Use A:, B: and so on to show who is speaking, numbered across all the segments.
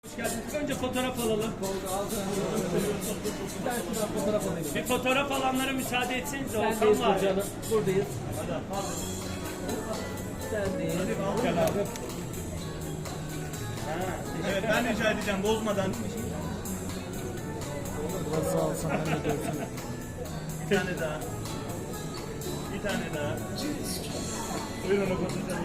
A: Hoş geldiniz. Önce fotoğraf alalım. Bir fotoğraf alanlara müsaade etseniz.
B: Sendeyiz canım. Buradayız.
A: Hadi.
B: Sendeyiz.
A: Gel abi.
C: Evet, ben rica edeceğim bozmadan.
B: Biraz sağ olsan ben de görsün.
C: Bir tane daha. Bir tane daha. Buyurun o fotoğrafı.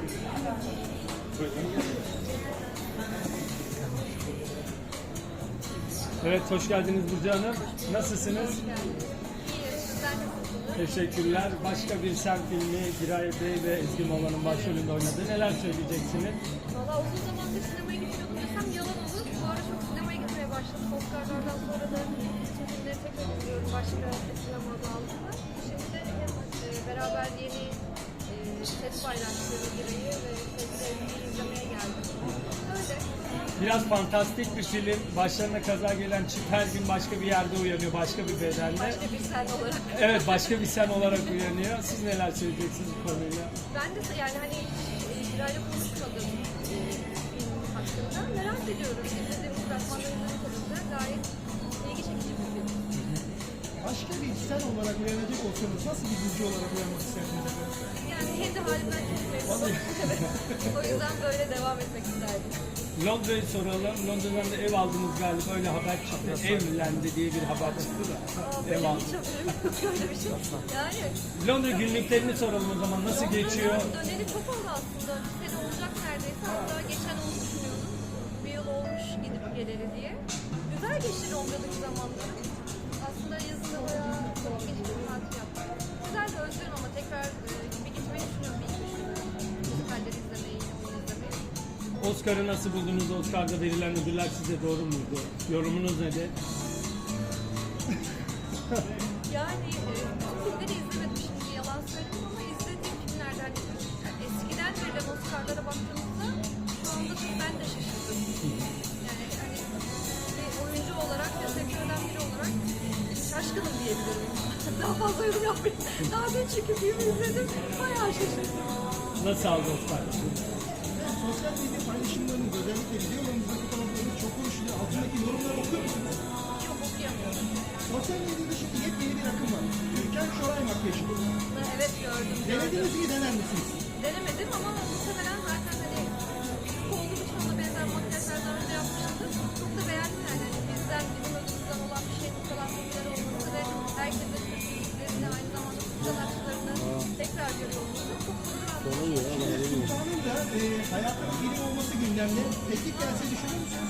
A: Evet, hoş geldiniz Burcu Hanım. Nasılsınız? Teşekkürler. Başka bir sen filmi Giray Bey ve Ezgi Mola'nın başrolünde oynadığı neler söyleyeceksiniz?
D: Valla uzun zamandır sinemaya gitmiyordum desem yalan olur. Bu ara çok sinemaya gitmeye başladım. Oscar'lardan sonra da bütün filmleri tekrar izliyorum başka sinema adı altında. Şimdi de beraber yeni set paylaştığı Giray'ı ve sevgilerini izlemeye geldim. Öyle.
A: Biraz fantastik bir film. Başlarına kaza gelen çift her gün başka bir yerde uyanıyor, başka bir bedende.
D: Başka bir sen olarak.
A: Evet, başka bir sen olarak uyanıyor. Siz neler söyleyeceksiniz bu konuyla?
D: Ben de yani hani Giray'la konuşmadım film hakkında. Merak ediyorum. İzlediğimiz fragmanlarından konusunda gayet ilgi çekici bir film.
C: Başka bir sen olarak uyanacak olsanız nasıl bir dizi olarak uyanmak isterdiniz?
D: Yani kendi halimden çok memnunum. Evet. O yüzden böyle devam etmek isterdim.
A: Londra'yı soralım. Londra'dan da ev aldınız galiba. Öyle haber çıktı. Evlendi diye bir haber çıktı da. Ev
D: Benim
A: aldı.
D: hiç haberim yok öyle bir şey. Yani
A: Londra günlüklerini soralım o zaman. Nasıl geçiyor?
D: döneli çok oldu aslında. Bir sene olacak neredeyse. Hatta geçen onu düşünüyordum. Bir yıl olmuş gidip geleli diye. Güzel geçti Londra'daki zamanları. Aslında yazında bayağı çok geçti bir tatil yaptım. Güzel de özlüyorum ama tekrar bir gitmeyi düşünüyorum. Bir iki düşünüyorum. Müzikalleri izlemeyi, oyun izlemeyi.
A: Oscar'ı nasıl buldunuz? Oscar'da verilen ödüller size doğru muydu? Yorumunuz nedir?
D: Yani bütün filmleri izlemedim şimdi yalan söyleyeyim ama izlediğim filmlerden yani eskiden verilen Oscar'lara baktığımızda şu anda da ben de şaşırdım. Yani hani bir oyuncu olarak ve sektörden biri olarak şaşkınım diyebilirim. Daha fazla yorum yapmayayım. Daha dün çünkü filmi izledim. Bayağı şaşırdım.
A: Nasıl aldı Oscar?
C: Sosyal medya paylaşımlarınız özellikle videolarınızdaki fotoğraflarınız çok konuşuluyor. Altındaki yorumları okuyor musunuz?
D: Çok okuyamıyorum.
C: Sosyal medyada şimdi yepyeni bir akım var. Türkan Şoray makyajı.
D: Evet gördüm.
C: Denediniz mi, dener misiniz?
D: Denemedim ama muhtemelen zaten hani Türk olduğum için ona benzer makyajlar daha önce yapmıştım. Çok da beğendim yani. Hani bizden, bizim özümüzden olan bir şeyin bu kadar popüler olması ve herkesin Türk müziklerini aynı zamanda Türk sanatçılarını tekrar görüyor olması çok gurur aldım.
C: Sultan'ın da hayatının biri olması gündemde. Teklif gelse düşünür müsünüz?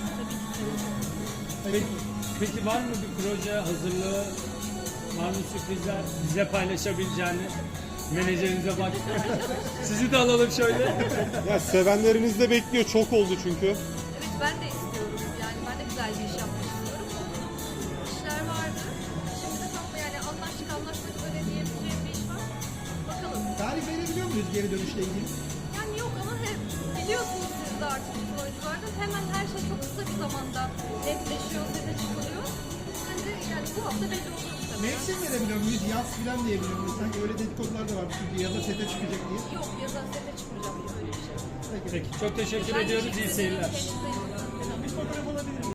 A: Peki var mı bir proje hazırlığı? Var mı sürprizler? Bize paylaşabileceğini? Menajerinize bak. Sizi de alalım şöyle.
E: Ya sevenleriniz de bekliyor. Çok oldu çünkü.
D: Evet ben de istiyorum. Yani ben de güzel bir iş yapmak istiyorum. İşler vardı. Şimdi de tam yani anlaşmak üzere diyebileceğim bir iş var. Bakalım.
C: Tarih verebiliyor muyuz geri dönüşle ilgili?
D: Yani yok ama hep biliyorsunuz siz de artık bütün oyuncularda hemen her şey çok kısa bir zamanda netleşiyor, sete çıkılıyor. Bence yani bu hafta belli olur tabii.
C: Mevsim verebiliyor muyuz? Yaz filan diyebiliyor muyuz? Sanki öyle dedikodular da var çünkü yaza sete çıkacak diye.
D: Yok yazan sete çıkmayacağım öyle bir şey.
A: Peki çok teşekkür ediyoruz. İyi seyirler.
D: Kendinize iyi bakın.
C: Bir fotoğraf alabilir miyim?